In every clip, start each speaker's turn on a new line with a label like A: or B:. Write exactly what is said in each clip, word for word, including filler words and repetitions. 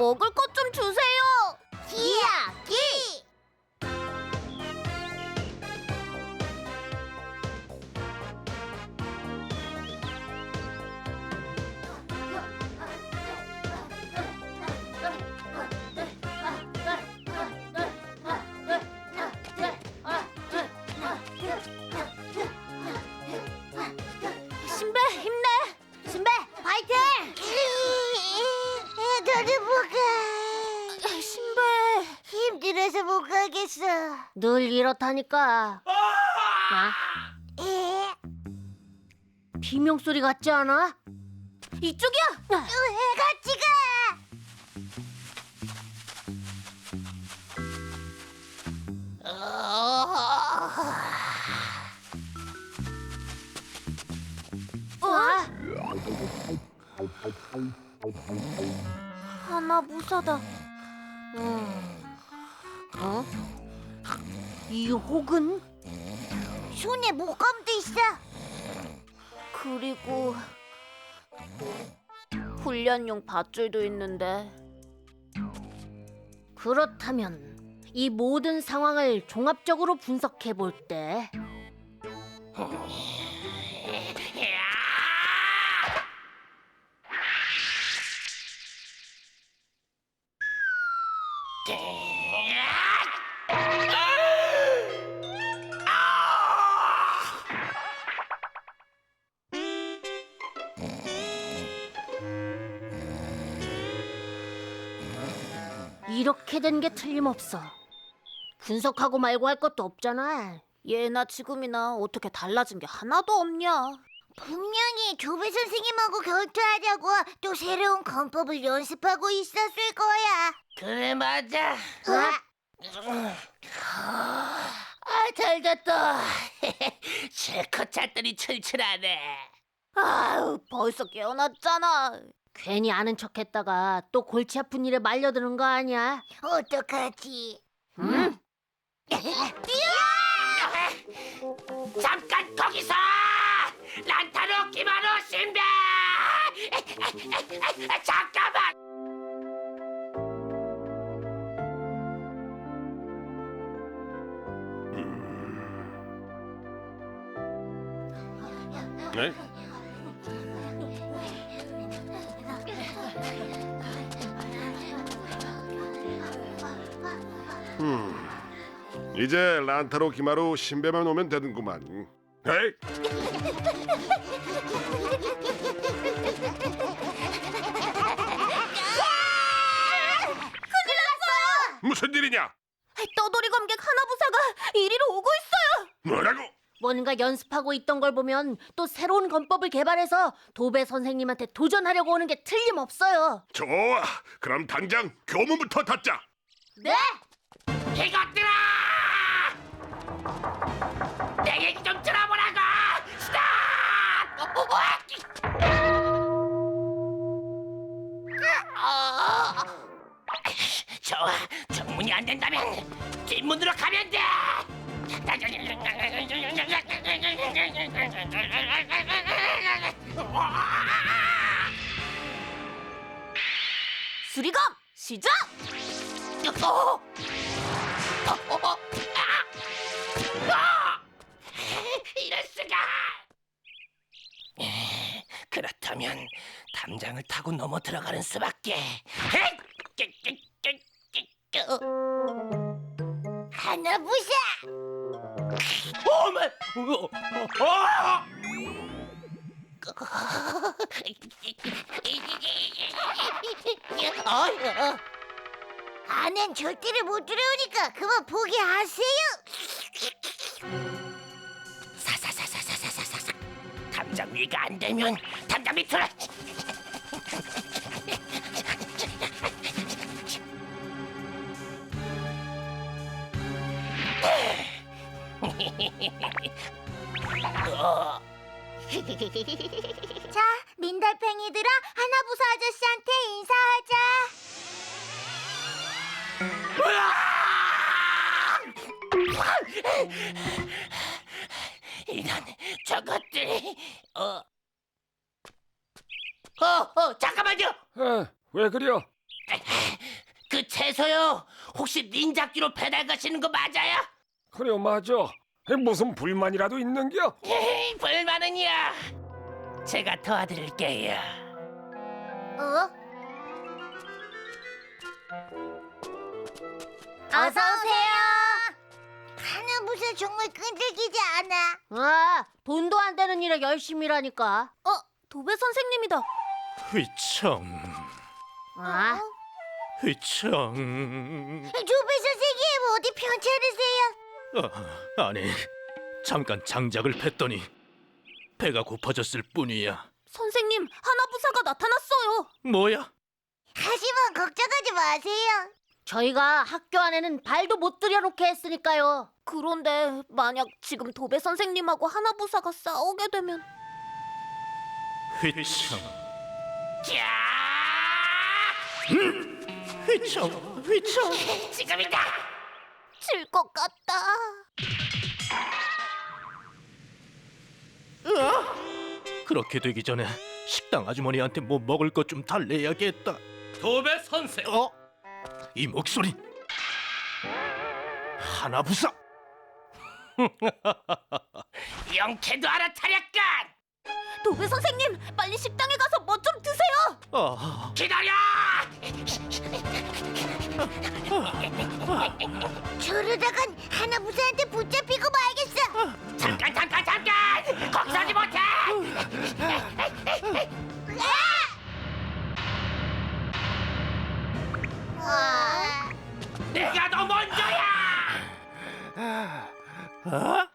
A: 먹을 것 좀 주세요.
B: 이야기!
A: 신배 힘내. 신배 파이팅.
B: 너는 못 가.
A: 신배
B: 힘들어서 못 가겠어.
A: 늘 이렇다니까. 아?
B: 에?
A: 비명 소리 같지 않아? 이쪽이야.
B: 왜 같이 가?
A: 와. 하나 무사다. 음. 어? 이 혹은
B: 손에 목감도 있어.
A: 그리고 훈련용 밧줄도 있는데. 그렇다면 이 모든 상황을 종합적으로 분석해 볼 때 이렇게 된 게 틀림없어. 분석하고 말고 할 것도 없잖아. 예나 지금이나 어떻게 달라진 게 하나도 없냐.
B: 분명히 조배 선생님하고 결투하려고 또 새로운 건법을 연습하고 있었을 거야.
C: 그래 맞아.
B: 어?
C: 아 잘됐다. 실컷 잤더니 출출하네.
A: 아유, 벌써 깨어났잖아. 괜히 아는 척했다가 또 골치 아픈 일에 말려드는 거 아니야?
B: 어떡하지?
A: 응?
C: 잠깐 거기서! 란타로 기마로 신배! 잠깐만!
D: 네? 음, 이제 란타로 기마로 신배만 오면 되는구만. 에이? 무슨 일이냐?
A: 떠돌이 검객 하나부사가 이리로 오고 있어요.
D: 뭐라고?
A: 뭔가 연습하고 있던 걸 보면 또 새로운 건법을 개발해서 도배 선생님한테 도전하려고 오는 게 틀림없어요.
D: 좋아, 그럼 당장 교문부터 닫자.
A: 네?
C: 이것들아! 내 얘기 좀 들어보라고! 스탑! 좋아, 정문이 안 된다면 뒷문으로 가면 돼!
A: 수리검 시작!
C: 어? 어, 어, 어. 아! 아! 이럴 수가! 그렇다면 담장을 타고 넘어 들어가는 수밖에.
B: 하나부사!
C: 어머! 어, 어! 어?
B: 안엔 절대로 못 들어오니까 그만 포기하세요.
C: 사사사사사사사사. 담장 위가 안 되면 담장 밑으로. 어.
B: 자, 민달팽이들아, 하나부사 아저씨한테 인사하자.
C: 이런 저것들이 어. 어, 어, 잠깐만요.
E: 아, 왜 그려?
C: 그 채소요. 혹시 닌자끼로 배달 가시는 거 맞아요?
E: 그래 맞아. 무슨 불만이라도 있는겨?
C: 에이, 불만은요. 제가 도와드릴게요.
B: 어? 어서 오세요. 하나부사 정말 끈질기지 않아?
A: 아, 돈도 안 되는 일에 열심히 일하니까. 어, 도배 선생님이다.
F: 휘청,
A: 아,
F: 휘청.
B: 조배 선생님 어디 편찮으세요?
F: 어, 아니, 잠깐 장작을 팼더니 배가 고파졌을 뿐이야.
A: 선생님, 하나부사가 나타났어요.
F: 뭐야?
B: 하지만 걱정하지 마세요.
A: 저희가 학교 안에는 발도 못 들여놓게 했으니까요. 그런데 만약 지금 도배 선생님하고 하나부사가 싸우게 되면
F: 휘청,
C: 자,
F: 휘청, 휘청.
C: 지금이다.
A: 질 것 같다.
F: 그렇게 되기 전에 식당 아주머니한테 뭐 먹을 것 좀 달래야겠다.
C: 도배 선생.
F: 어? 이 목소리. 하나부사.
C: 영케도 알아차렸건.
A: 도배 선생님, 빨리 식당에 가서 뭐 좀 드세요.
F: 아,
C: 기다려.
B: 저러다간 하나부사한테 붙잡히고 말겠어.
C: 잠깐 잠깐 잠깐. 거기서 하지 못해.
B: 아,
C: 내가 더 먼저야.
F: 어?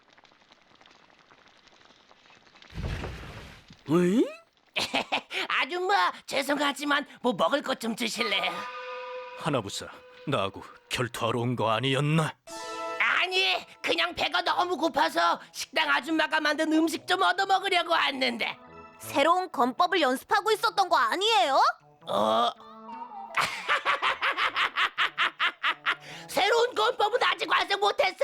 F: 왜?
C: 아줌마 죄송하지만 뭐 먹을 것 좀 주실래요?
F: 하나부사, 나하고 결투하러 온 거 아니었나?
C: 아니 그냥 배가 너무 고파서 식당 아줌마가 만든 음식 좀 얻어 먹으려고 왔는데.
A: 새로운 건법을 연습하고 있었던 거 아니에요?
C: 어? 새로운 건법은 아직 완성 못했어.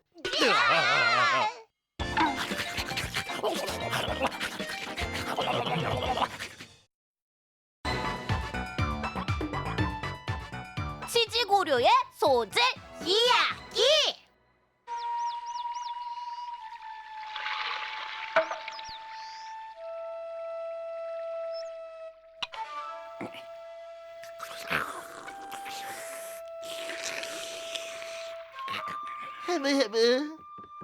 A: 치지고료의 소재
B: 이야기.
C: 헤브 헤브 헤브.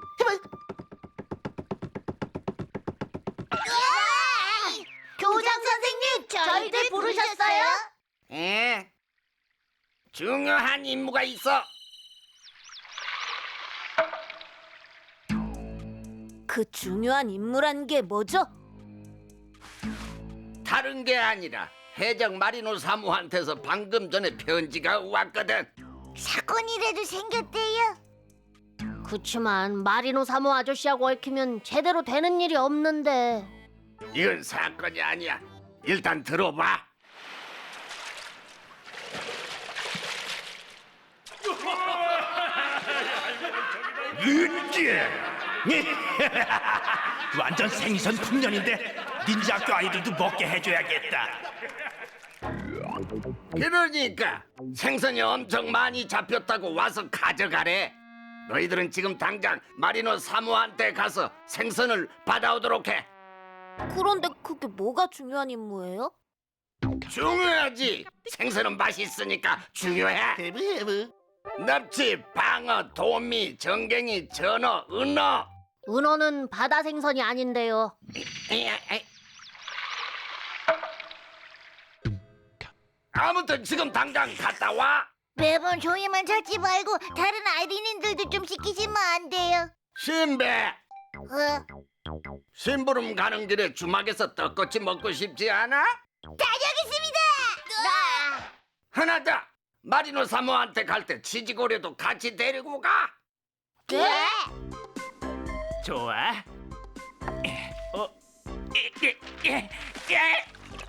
B: 교장 선생님, 저희들 부르셨어요?
C: 에? 중요한 임무가 있어.
A: 그 중요한 임무란 게 뭐죠?
G: 다른 게 아니라 해적 마리노 사무한테서 방금 전에 편지가 왔거든.
B: 사건이라도 생겼대요.
A: 그치만 마리노 사모 아저씨하고 얽히면 제대로 되는 일이 없는데.
G: 이건 사건이 아니야. 일단 들어봐.
F: 완전 생선 풍년인데 닌자 학교 아이들도 먹게 해줘야겠다.
G: 그러니까 생선이 엄청 많이 잡혔다고 와서 가져가래. 너희들은 지금 당장 마리노 사무한테 가서 생선을 받아오도록 해.
A: 그런데 그게 뭐가 중요한 임무예요?
G: 중요하지. 생선은 맛있으니까 중요해. 납치, 방어, 도미, 정갱이, 전어, 은어.
A: 은어는 바다 생선이 아닌데요.
G: 아무튼 지금 당장 갔다 와.
B: 매번 저희만 찾지 말고 다른 아이린들도 좀 시키시면 안 돼요?
G: 신배,
B: 어?
G: 심부름 가는 길에 주막에서 떡꼬치 먹고 싶지 않아?
B: 다녀오겠습니다. 나.
G: 하나 더. 마리노 사모한테 갈 때 치즈고래도 같이 데리고 가.
B: 네?
C: 좋아. 어? 예, 예, 예, 예.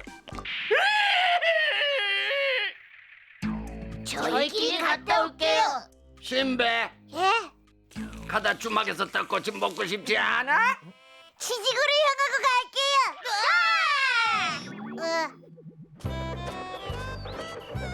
B: 저희끼리 갔다 올게요.
G: 신배,
B: 예?
G: 가다 주막에서 떡꼬치 먹고 싶지 않아?
B: 치즈구를 향하고 갈게요. 으아! 으.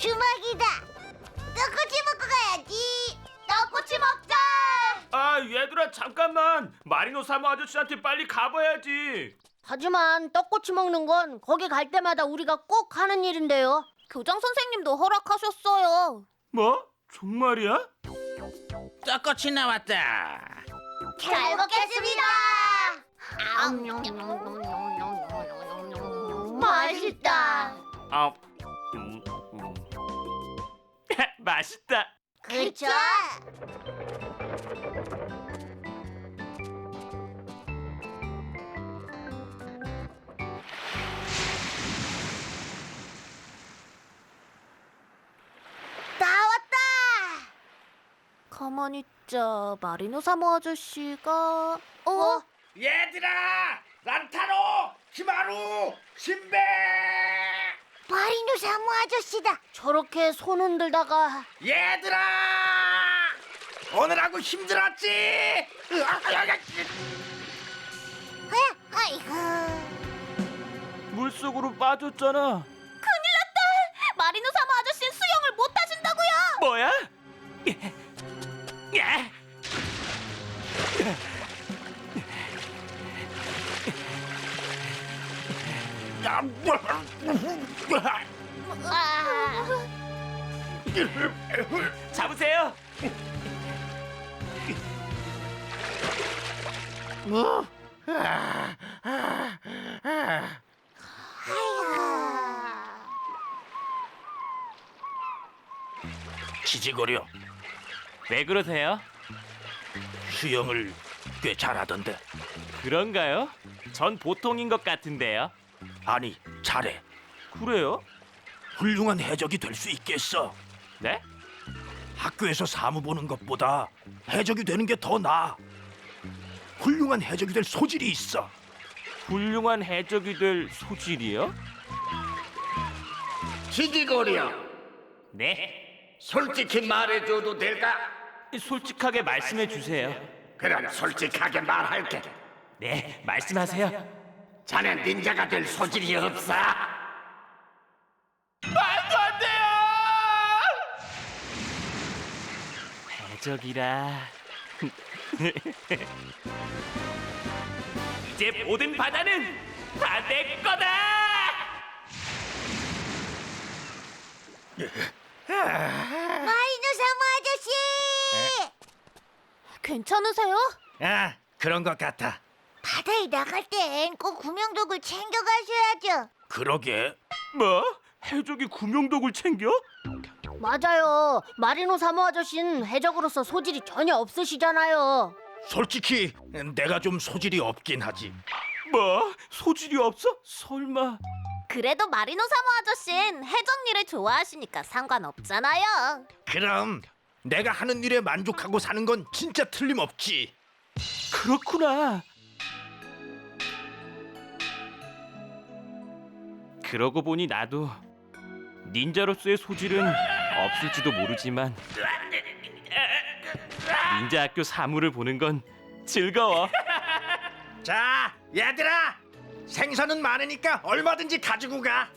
B: 주먹이다. 떡꼬치 먹고 가야지. 떡꼬치 먹자.
H: 아 얘들아 잠깐만 마리노 사모 아저씨한테 빨리 가봐야지.
A: 하지만 떡꼬치 먹는 건 거기 갈 때마다 우리가 꼭 하는 일인데요. 교장 선생님도 허락하셨어요.
H: 뭐? 정말이야?
C: 떡꼬치 나왔다.
B: 잘 먹겠습니다.
A: 맛있다.
H: 아, 음, 음. 맛있다.
B: 그쵸? 나왔다.
A: 가만히 있자. 마리노 사모 아저씨가 어?
G: 얘들아! 란타로! 히마루! 신베!
B: 마리노 사모 아저씨다.
A: 저렇게 손 흔들다가
G: 얘들아! 오늘하고 힘들었지? 으악,
B: 아, 아이고.
H: 물속으로 빠졌잖아.
A: 마리노 사모 아저씨는 수영을 못 하신다고요.
H: 뭐야? 야!
A: 아,
H: 잡으세요.
F: 지지거려.
H: 왜 그러세요?
F: 수영을 꽤 잘하던데.
H: 그런가요? 전 보통인 것 같은데요.
F: 아니, 잘해.
H: 그래요?
F: 훌륭한 해적이 될 수 있겠어.
H: 네?
F: 학교에서 사무 보는 것보다 해적이 되는 게 더 나아. 훌륭한 해적이 될 소질이 있어.
H: 훌륭한 해적이 될 소질이요?
G: 지지거려.
H: 네.
G: 솔직히 말해줘도 될까?
H: 솔직하게 말씀해 주세요.
G: 그럼 솔직하게 말할게.
H: 네, 말씀하세요.
G: 자넨 닌자가 될 소질이 없어.
H: 말도 안 돼요! 해적이라. 이제 모든 바다는 다 내 거다!
B: 마리노 사모 아저씨.
A: 괜찮으세요?
F: 아, 그런 것 같아.
B: 바다에 나갈 땐 꼭 구명독을 챙겨가셔야죠.
F: 그러게.
H: 뭐? 해적이 구명독을 챙겨?
A: 맞아요. 마리노 사모 아저씨는 해적으로서 소질이 전혀 없으시잖아요.
F: 솔직히 내가 좀 소질이 없긴 하지.
H: 뭐? 소질이 없어? 설마?
A: 그래도 마리노 사모 아저씨는 해적 일을 좋아하시니까 상관없잖아요.
F: 그럼 내가 하는 일에 만족하고 사는 건 진짜 틀림없지.
H: 그렇구나. 그러고 보니 나도 닌자로서의 소질은 없을지도 모르지만 닌자 학교 사무를 보는 건 즐거워.
G: 자, 얘들아! 생선은 많으니까 얼마든지 가지고 가.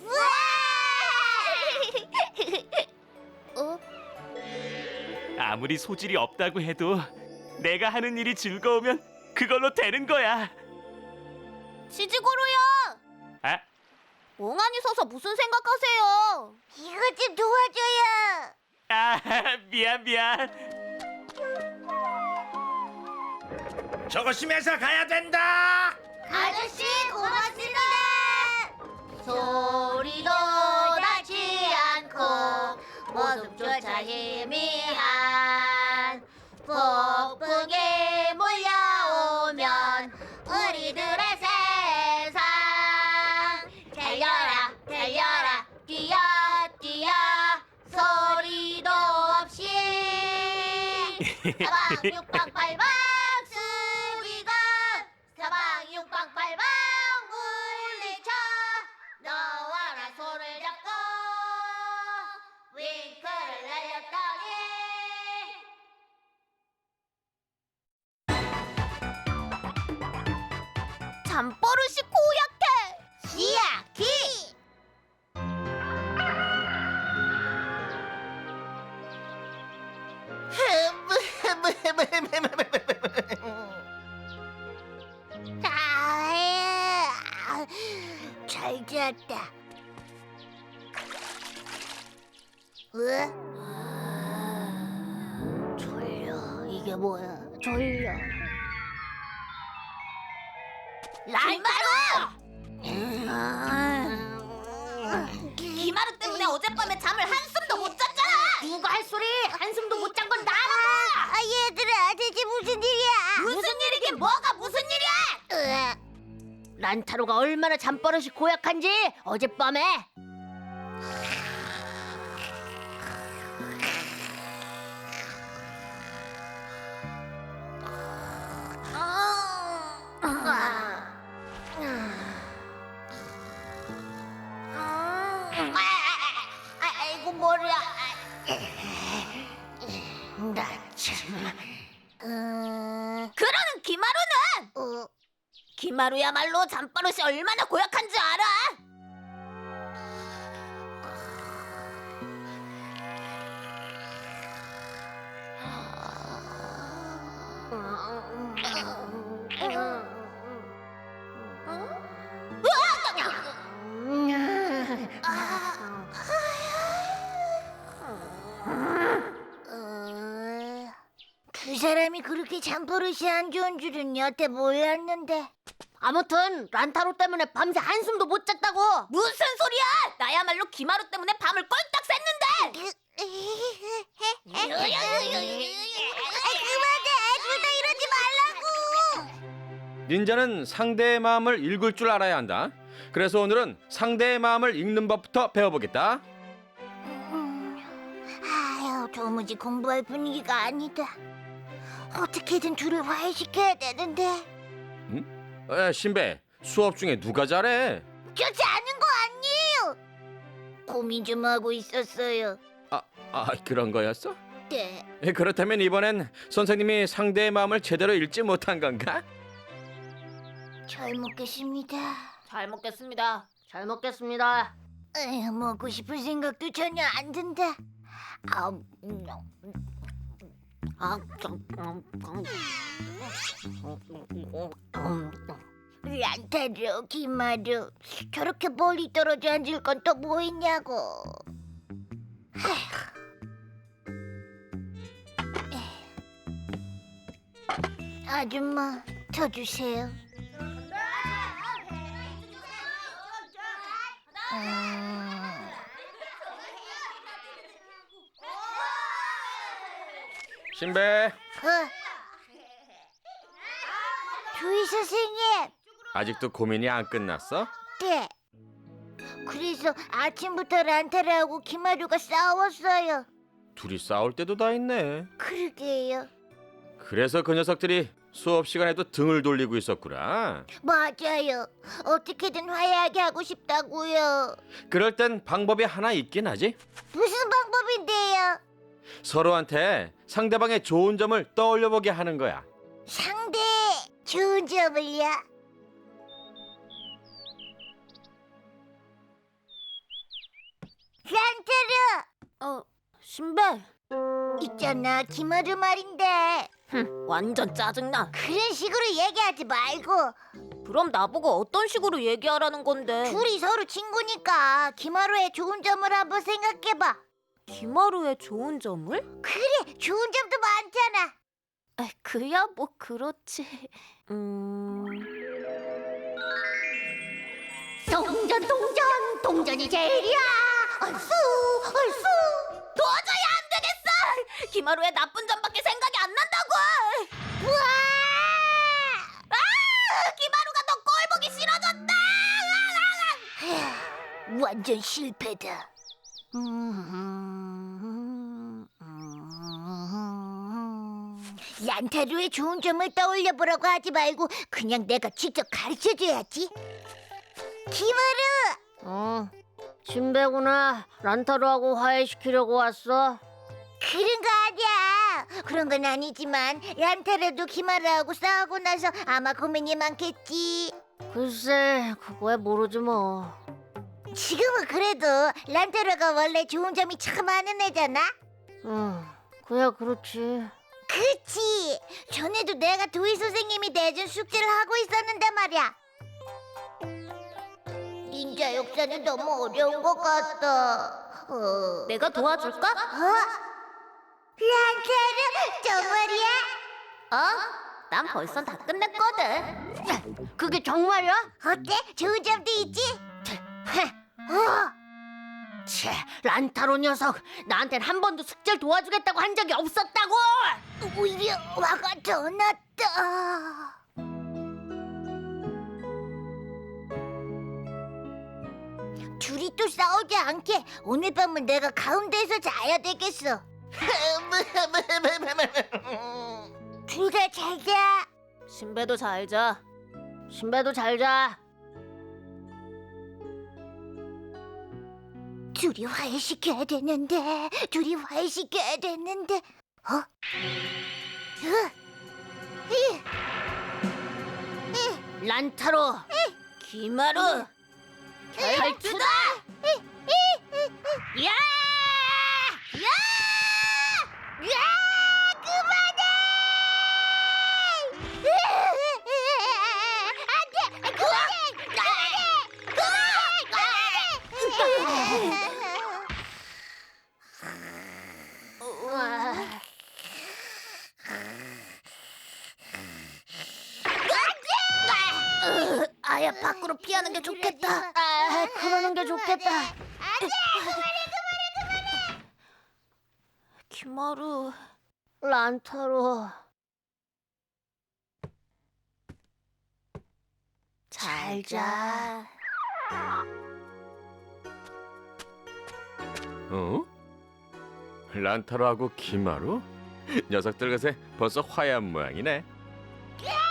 A: 어?
H: 아무리 소질이 없다고 해도 내가 하는 일이 즐거우면 그걸로 되는 거야.
A: 지지고로요.
H: 아,
A: 멍하니 서서 무슨 생각하세요?
B: 이것 좀 도와줘요.
H: 아 미안 미안.
G: 조심해서 가야 된다.
B: 아저씨 고맙습니다. 소리도 나지 않고 모습조차 희미한 폭풍이 몰려오면 우리들의 세상 달려라 달려라 뛰어 뛰어 소리도 없이 사방 육박팔방 수비건 사방 육박팔방 물리쳐 너와 나 손을 잡고 윙크를 날렸더니
A: 잠버릇이 고약해.
B: 기야기 아, 잘 잤다. 왜? 졸려. 이게 뭐야? 졸려.
A: 란타로! 기마루 때문에 어젯밤에 잠을 한숨도 못 잤잖아. 누가 할 소리? 한숨도 못 잔 건 나라.
B: 아, 얘들아, 대체 무슨 일이야?
A: 무슨 일이긴 뭐가 무슨 일이야?
B: 으아.
A: 란타로가 얼마나 잠버릇이 고약한지 어젯밤에
B: 아이고 머리야. 나 참. 음,
A: 그러는 기마루는
B: 어,
A: 기마루야말로 잠버릇이 얼마나 고약한 줄 알아?
B: 어, 두 사람이 그렇게 잠버릇이 안 좋은 줄은 여태 몰랐는데.
A: 아무튼 란타로 때문에 밤새 한숨도 못 잤다고. 무슨 소리야? 나야말로 기마루 때문에 밤을 꼴딱 샜는데.
B: 그만해, 둘 다 이러지 말라고.
I: 닌자는 상대의 마음을 읽을 줄 알아야 한다. 그래서 오늘은 상대의 마음을 읽는 법부터 배워보겠다.
B: 음, 아유, 도무지 공부할 분위기가 아니다. 어떻게든 둘을 화해시켜야 되는데.
I: 에, 신배, 수업 중에 누가 잘해?
B: 좋지 않은 거 아니에요. 고민 좀 하고 있었어요.
I: 아, 아 그런 거였어?
B: 네.
I: 에, 그렇다면 이번엔 선생님이 상대의 마음을 제대로 읽지 못한 건가?
B: 잘 먹겠습니다.
A: 잘 먹겠습니다. 잘 먹겠습니다.
B: 에휴, 먹고 싶은 생각도 전혀 안 든다. 아, 음,
A: 아, 좀, 음, 음.
B: 란타루, 기마루, 저렇게 멀리 떨어져 앉을 건 또 뭐 있냐고. 아줌마, 저 주세요. 음...
I: 신배,
B: 어. 조이 선생님,
I: 아직도 고민이 안 끝났어?
B: 네. 그래서 아침부터 란타르하고 기마루가 싸웠어요.
I: 둘이 싸울 때도 다 있네.
B: 그러게요.
I: 그래서 그 녀석들이 수업 시간에도 등을 돌리고 있었구나.
B: 맞아요. 어떻게든 화해하게 하고 싶다고요.
I: 그럴 땐 방법이 하나 있긴 하지.
B: 무슨 방법인데요?
I: 서로한테 상대방의 좋은 점을 떠올려보게 하는 거야.
B: 상대 좋은 점을요? 란타르!
A: 어, 신배.
B: 있잖아, 기마루 말인데.
A: 흠, 완전 짜증나.
B: 그런 식으로 얘기하지 말고.
A: 그럼 나보고 어떤 식으로 얘기하라는 건데?
B: 둘이 서로 친구니까 기마루의 좋은 점을 한번 생각해봐.
A: 기마루의 좋은 점을?
B: 그래, 좋은 점도 많잖아.
A: 아, 그야 뭐 그렇지. 음.
B: 동전 동전 동전이 제일이야. 얼쑤 얼쑤.
A: 도저히 안 되겠어. 기마루의 나쁜 점밖에 생각이 안 난다고.
B: 우와.
A: 아, 기마루가 너 꼴 보기 싫어졌다.
B: 완전 실패다. 란타루의 좋은 점을 떠올려 보라고 하지 말고 그냥 내가 직접 가르쳐 줘야지. 기마루.
A: 어, 신배구나. 란타루하고 화해시키려고 왔어.
B: 그런 거 아니야. 그런 건 아니지만 란타루도 기마루하고 싸우고 나서 아마 고민이 많겠지.
A: 글쎄, 그거야 모르지 뭐.
B: 지금은 그래도 란타루가 원래 좋은 점이 참 많은 애잖아.
A: 응, 그야 그렇지.
B: 그치? 전에도 내가 도희 선생님이 내준 숙제를 하고 있었는데 말이야. 닌자 역사는 너무 어려운 것 같다. 어...
A: 내가 도와줄까?
B: 어? 란타르 정말이야?
A: 어? 난 벌써 다 끝냈거든. 그게 정말이야?
B: 어때? 좋은 점도 있지?
A: 어? 채, 란타로 녀석, 나한텐 한 번도 숙제를 도와주겠다고 한 적이 없었다고.
B: 오히려 화가 더 났다. 둘이 또 싸우지 않게 오늘 밤은 내가 가운데에서 자야 되겠어. 둘 다 잘 자.
A: 신배도 잘 자. 신배도 잘 자.
B: 둘이 화해시켜야 되는데, 둘이 화해시켜야 되는데, 어? 으, 이, 이,
A: 란타로, 기마루, 결투다. 야!
B: 야! 야! 그만해! 안 돼! 그만해! 그만해! 그만해!
A: 아야, 밖으로 피하는 게 좋겠다. 아, 그러는 게 좋겠다.
B: 안돼! 그만해! 그만해! 그만해!
A: 기마루, 란타로, 잘 자.
I: 어? 란타로하고 기마루? 녀석들 것에 벌써 화해한 모양이네.
B: 야!